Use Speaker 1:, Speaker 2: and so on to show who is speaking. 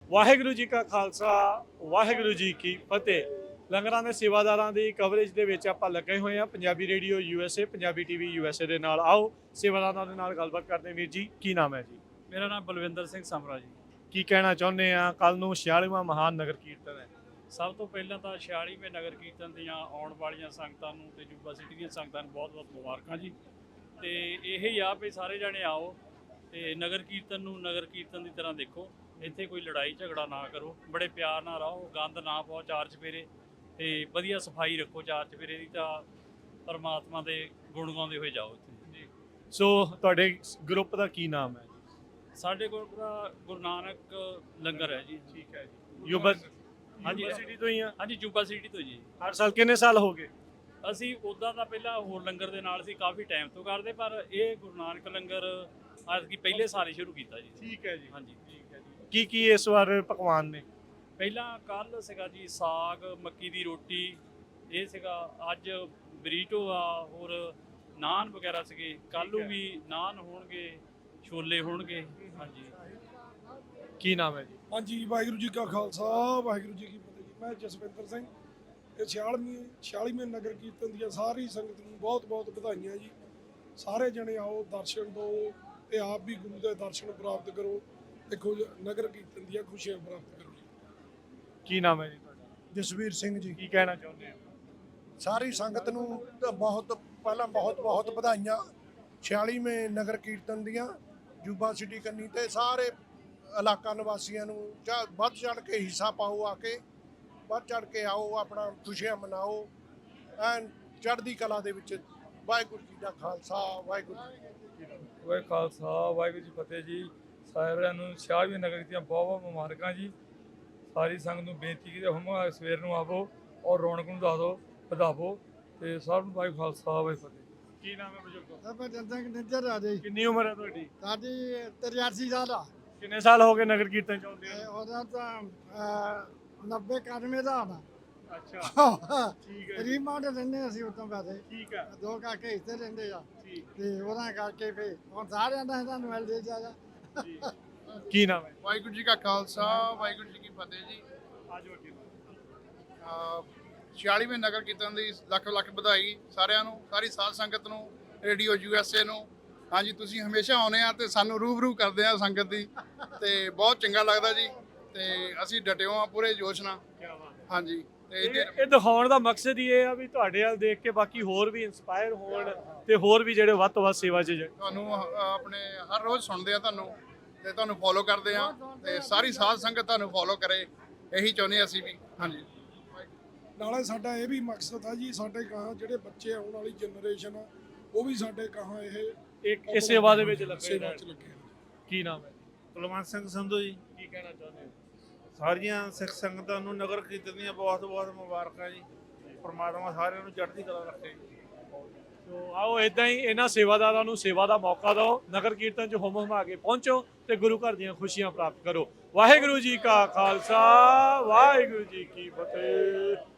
Speaker 1: ਵਾਹਿਗੁਰੂ ਜੀ ਕਾ ਖਾਲਸਾ ਵਾਹਿਗੁਰੂ ਜੀ ਕੀ ਫਤਿਹ। ਲੰਗਰਾਂ ਦੇ ਸੇਵਾਦਾਰਾਂ ਦੀ ਕਵਰੇਜ ਦੇ ਵਿੱਚ ਆਪਾਂ ਲੱਗੇ ਹੋਏ ਆ। Punjabi radio USA, Punjabi TV USA ਦੇ ਨਾਲ ਆਓ ਸੇਵਾਦਾਰਾਂ ਦੇ ਨਾਲ ਗੱਲਬਾਤ ਕਰਦੇ ਹਾਂ। ਵੀਰ ਜੀ ਕੀ ਨਾਮ ਹੈ ਜੀ?
Speaker 2: ਮੇਰਾ ਨਾਮ ਬਲਵਿੰਦਰ ਸਿੰਘ ਸਮਰਾ ਜੀ।
Speaker 1: ਕੀ ਕਹਿਣਾ ਚਾਹੁੰਦੇ ਆ? ਕੱਲ ਨੂੰ 46ਵਾਂ ਮਹਾਨ ਨਗਰ ਕੀਰਤਨ ਹੈ।
Speaker 2: ਸਭ ਤੋਂ ਪਹਿਲਾਂ ਤਾਂ 46ਵੇਂ ਨਗਰ ਕੀਰਤਨ ਦੀਆਂ ਆਉਣ ਵਾਲੀਆਂ ਸੰਗਤਾਂ ਨੂੰ ਤੇ ਜੁਬਾ ਸਿਟੀ ਦੀਆਂ ਸੰਗਤਾਂ ਨੂੰ ਬਹੁਤ-ਬਹੁਤ ਮੁਬਾਰਕਾਂ ਜੀ। ਤੇ ਇਹ ਹੀ ਆ ਵੀ ਸਾਰੇ ਜਣੇ ਆਓ ਤੇ ਨਗਰ ਕੀਰਤਨ ਨੂੰ ਨਗਰ ਕੀਰਤਨ ਦੀ ਤਰ੍ਹਾਂ ਦੇਖੋ। ਇੱਥੇ ਕੋਈ ਲੜਾਈ ਝਗੜਾ ਨਾ ਕਰੋ, ਬੜੇ ਪਿਆਰ ਨਾਲ ਰਹੋ, ਗੰਦ ਨਾ ਪਾਓ ਚਾਰ ਚਫੇਰੇ ਤੇ ਵਧੀਆ ਸਫਾਈ ਰੱਖੋ ਚਾਰ ਚਫੇਰੇ ਦੀ, ਤਾਂ ਪਰਮਾਤਮਾ ਦੇ ਗੁਣ ਗਾਉਂਦੇ ਹੋਏ ਜਾਓ ਇੱਥੇ ਜੀ।
Speaker 1: ਸੋ ਤੁਹਾਡੇ ਗਰੁੱਪ ਦਾ ਕੀ ਨਾਮ ਹੈ?
Speaker 2: ਸਾਡੇ ਕੋਲ ਦਾ ਗੁਰੂ ਨਾਨਕ ਲੰਗਰ ਹੈ ਜੀ।
Speaker 1: ਠੀਕ ਹੈ ਜੀ। ਯੂਬਾ
Speaker 2: ਹਾਂਜੀ
Speaker 1: ਸਿਟੀ ਤੋਂ ਹੀ ਆ?
Speaker 2: ਹਾਂਜੀ, ਜੁਬਾ ਸਿਟੀ ਤੋਂ ਜੀ।
Speaker 1: ਹਰ ਸਾਲ ਕਿੰਨੇ ਸਾਲ ਹੋ ਗਏ?
Speaker 2: ਅਸੀਂ ਉੱਦਾਂ ਤਾਂ ਪਹਿਲਾਂ ਹੋਰ ਲੰਗਰ ਦੇ ਨਾਲ ਅਸੀਂ ਕਾਫੀ ਟਾਈਮ ਤੋਂ ਕਰਦੇ, ਪਰ ਇਹ ਗੁਰੂ ਨਾਨਕ ਲੰਗਰ ਐਤਕੀ ਪਹਿਲੇ ਸਾਲ ਹੀ ਸ਼ੁਰੂ ਕੀਤਾ ਜੀ।
Speaker 1: ਠੀਕ ਹੈ ਜੀ।
Speaker 2: ਹਾਂਜੀ,
Speaker 1: ਠੀਕ ਹੈ ਜੀ। ਕੀ ਇਸ ਵਾਰ ਪਕਵਾਨ ਨੇ?
Speaker 2: ਪਹਿਲਾਂ ਕੱਲ ਸੀਗਾ ਜੀ ਸਾਗ, ਮੱਕੀ ਦੀ ਰੋਟੀ, ਇਹ ਸੀਗਾ। ਅੱਜ ਬਰੀਟੋ ਆ, ਹੋਰ ਨਾਨ ਵਗੈਰਾ ਸੀਗੇ। ਕੱਲ੍ਹ ਨੂੰ ਵੀ ਨਾਨ ਹੋਣਗੇ, ਛੋਲੇ ਹੋਣਗੇ। ਹਾਂਜੀ।
Speaker 1: ਕੀ ਨਾਮ ਹੈ ਜੀ?
Speaker 3: ਹਾਂਜੀ, ਵਾਹਿਗੁਰੂ ਜੀ ਕਾ ਖਾਲਸਾ ਵਾਹਿਗੁਰੂ ਜੀ ਕੀ ਫਤਿਹ ਜੀ। ਮੈਂ ਜਸਵਿੰਦਰ ਸਿੰਘ। ਇਹ 46ਵੇਂ ਨਗਰ ਕੀਰਤਨ ਦੀਆਂ ਸਾਰੀ ਸੰਗਤ ਨੂੰ ਬਹੁਤ-ਬਹੁਤ ਵਧਾਈਆਂ ਜੀ। ਸਾਰੇ ਜਣੇ ਆਓ, ਦਰਸ਼ਨ ਦਿਓ ਤੇ ਆਪ ਵੀ ਗੁਰੂ ਦੇ ਦਰਸ਼ਨ ਪ੍ਰਾਪਤ ਕਰੋ। ਦੇਖੋ ਨਗਰ ਕੀਰਤਨ ਦੀਆਂ ਖੁਸ਼ੀਆਂ ਪ੍ਰਾਪਤ ਕਰੋ ਜੀ।
Speaker 1: ਕੀ ਨਾਮ ਹੈ ਜੀ ਤੁਹਾਡਾ?
Speaker 4: ਜਸਵੀਰ ਸਿੰਘ ਜੀ।
Speaker 1: ਕੀ ਕਹਿਣਾ ਚਾਹੁੰਦੇ ਹੋ?
Speaker 4: ਸਾਰੀ ਸੰਗਤ ਨੂੰ ਤਾਂ ਬਹੁਤ ਵਧਾਈਆਂ 46ਵੇਂ ਨਗਰ ਕੀਰਤਨ ਦੀਆਂ। ਜੁਬਾ ਸਿਟੀ ਕੰਨੀ ਤੇ ਸਾਰੇ ਇਲਾਕਾ ਨਿਵਾਸੀਆਂ ਨੂੰ ਵੱਧ ਚੜ ਕੇ ਹਿੱਸਾ ਪਾਓ, ਆ ਕੇ ਵੱਧ ਚੜ ਕੇ ਆਓ, ਆਪਣਾ ਖੁਸ਼ੀਆਂ ਮਨਾਓ ਐਨ ਚੜ੍ਹਦੀ ਕਲਾ ਦੇ ਵਿੱਚ। ਵਾਹਿਗੁਰੂ ਜੀ ਦਾ ਖਾਲਸਾ ਵਾਹਿਗੁਰੂ ਜੀ ਕੀ ਫਤਿਹ।
Speaker 5: ਵਾਹਿ ਖਾਲਸਾ ਵਾਹਿਗੁਰੂ ਜੀ ਫਤਿਹ ਜੀ। ਸਾਰਿਆਂ ਨੂੰ 46ਵੇਂ ਨਗਰ ਦੀਆਂ ਬਹੁਤ ਮੁਬਾਰਕਾਂ ਜੀ। ਸਾਰੀ ਸੰਗਤ ਨੂੰ ਬੇਨਤੀ ਕੀਤੀ ਹਮ ਸਵੇਰ ਨੂੰ ਆਵੋ ਔਰ ਰੌਣਕ ਨੂੰ ਵਧਾਵੋ ਤੇ ਸਭ ਨੂੰ ਵਾਹਿ ਖਾਲਸਾ ਵਾਹਿ ਫਤਿਹ।
Speaker 1: ਕੀ ਨਾਮ ਹੈ ਬਜ਼ੁਰਗੋ?
Speaker 6: ਆਪਾਂ ਜਨਤਾ ਨਿੱਜਰ ਆ ਜੀ।
Speaker 1: ਕਿੰਨੀ ਉਮਰ ਹੈ ਤੁਹਾਡੀ?
Speaker 6: ਸਾਡੀ 83 ਸਾਲ ਆ।
Speaker 1: ਕਿੰਨੇ ਸਾਲ ਹੋ ਗਏ ਨਗਰ ਕੀਰਤਨ ਚਾਹੁੰਦੇ
Speaker 6: ਤੇ
Speaker 1: ਹੋ?
Speaker 6: ਉਹਦਾ ਤਾਂ 90 91 ਦਾ ਆਣਾ।
Speaker 1: ਅੱਛਾ, ਠੀਕ ਹੈ ਜੀ।
Speaker 6: ਰੀਮਾਉਂਡ ਰਹਿੰਦੇ ਅਸੀਂ ਉਤੋਂ ਪੈਸੇ
Speaker 1: ਠੀਕ ਹੈ।
Speaker 6: ਦੋ ਕਾਕੇ ਇੱਥੇ ਰਹਿੰਦੇ ਆ
Speaker 1: ਠੀਕ
Speaker 6: ਤੇ ਉਹਨਾਂ ਕਰਕੇ ਫੇ ਹੁਣ ਸਾਰਿਆਂ ਦਾ ਤੁਹਾਨੂੰ ਮਿਲ ਦੇ ਜਾਗਾ।
Speaker 1: ਜੀ। ਕੀ ਨਾਮ ਹੈ?
Speaker 7: ਵਾਹਿਗੁਰੂ ਜੀ ਕਾ ਖਾਲਸਾ ਵਾਹਿਗੁਰੂ ਜੀ ਕੀ ਫਤਿਹ ਜੀ।
Speaker 1: ਆਜੋ ਅੱਗੇ।
Speaker 7: 46ਵੇਂ ਨਗਰ ਕੀਰਤਨ ਦੀ ਲੱਖ ਲੱਖ ਵਧਾਈ ਸਾਰਿਆਂ ਨੂੰ, ਸਾਰੀ ਸਾਧ ਸੰਗਤ ਨੂੰ, ਰੇਡੀਓ USA ਨੂੰ। ਹਾਂਜੀ, ਤੁਸੀਂ ਹਮੇਸ਼ਾ ਆਉਂਦੇ ਆ ਤੇ ਸਾਨੂੰ ਰੂਬਰੂ ਕਰਦੇ ਆ ਸੰਗਤ ਦੀ, ਤੇ ਬਹੁਤ ਚੰਗਾ ਲੱਗਦਾ ਜੀ। ਤੇ ਅਸੀਂ ਡਟਿਓ ਆ ਪੂਰੇ ਜੋਸ਼ ਨਾਲ।
Speaker 1: ਕੀ ਬਾਤ।
Speaker 7: ਹਾਂਜੀ, ਤੇ
Speaker 1: ਇਹ ਦਿਖਾਉਣ ਦਾ ਮਕਸਦ ਹੀ ਇਹ ਆ ਵੀ ਤੁਹਾਡੇ ਵੱਲ ਦੇਖ ਕੇ ਬਾਕੀ ਹੋਰ ਵੀ ਇਨਸਪਾਇਰ ਹੋਣ ਤੇ ਹੋਰ ਵੀ ਜਿਹੜੇ ਵੱਧ ਤੋਂ ਵੱਧ ਸੇਵਾ 'ਚ
Speaker 7: ਤੁਹਾਨੂੰ ਆਪਣੇ ਹਰ ਰੋਜ਼ ਸੁਣਦੇ ਆ ਤੁਹਾਨੂੰ, ਤੇ ਤੁਹਾਨੂੰ ਫੋਲੋ ਕਰਦੇ ਆ, ਤੇ ਸਾਰੀ ਸਾਧ ਸੰਗਤ ਤੁਹਾਨੂੰ ਫੋਲੋ ਕਰੇ, ਇਹੀ ਚਾਹੁੰਦੇ ਅਸੀਂ ਵੀ। ਹਾਂਜੀ,
Speaker 3: ਨਾਲੇ ਸਾਡਾ ਇਹ ਵੀ ਮਕਸਦ ਆ ਜੀ, ਸਾਡੇ ਗਾਹਾਂ ਜਿਹੜੇ ਬੱਚੇ ਆਉਣ ਵਾਲੀ ਜਨਰੇਸ਼ਨ ਆ ਉਹ ਵੀ ਸਾਡੇ ਗਾਹਾਂ
Speaker 1: ਇਸ ਸੇਵਾ ਦੇ ਵਿੱਚ ਲੱਗੇ
Speaker 3: ਸੇਵਾ
Speaker 1: ਰਹਿਣ।
Speaker 3: 'ਚ ਲੱਗੇ।
Speaker 1: ਕੀ ਨਾਮ ਹੈ?
Speaker 8: ਕੁਲਵੰਤ ਸਿੰਘ ਸੰਧੂ ਜੀ।
Speaker 1: ਕੀ ਕਹਿਣਾ ਚਾਹੁੰਦੇ ਹੋ?
Speaker 8: ਸਾਰੀਆਂ ਸਿੱਖ ਸੰਗਤਾਂ ਨੂੰ ਨਗਰ ਕੀਰਤਨ ਦੀਆਂ ਬਹੁਤ ਮੁਬਾਰਕਾਂ ਜੀ। ਪਰਮਾਤਮਾ ਸਾਰਿਆਂ ਨੂੰ ਚੜ੍ਹਦੀ ਕਲਾ ਰੱਖੇ।
Speaker 1: ਸੋ ਆਓ ਇਦਾਂ ਹੀ ਇਹਨਾਂ ਸੇਵਾਦਾਰਾਂ ਨੂੰ ਸੇਵਾ ਦਾ ਮੌਕਾ ਦਿਓ, ਨਗਰ ਕੀਰਤਨ 'ਚ ਹੁਮ ਹੁਮਾ ਕੇ ਪਹੁੰਚੋ ਤੇ ਗੁਰੂ ਘਰ ਦੀਆਂ ਖੁਸ਼ੀਆਂ ਪ੍ਰਾਪਤ ਕਰੋ। ਵਾਹਿਗੁਰੂ ਜੀ ਕਾ ਖਾਲਸਾ ਵਾਹਿਗੁਰੂ ਜੀ ਕੀ ਫਤਿਹ।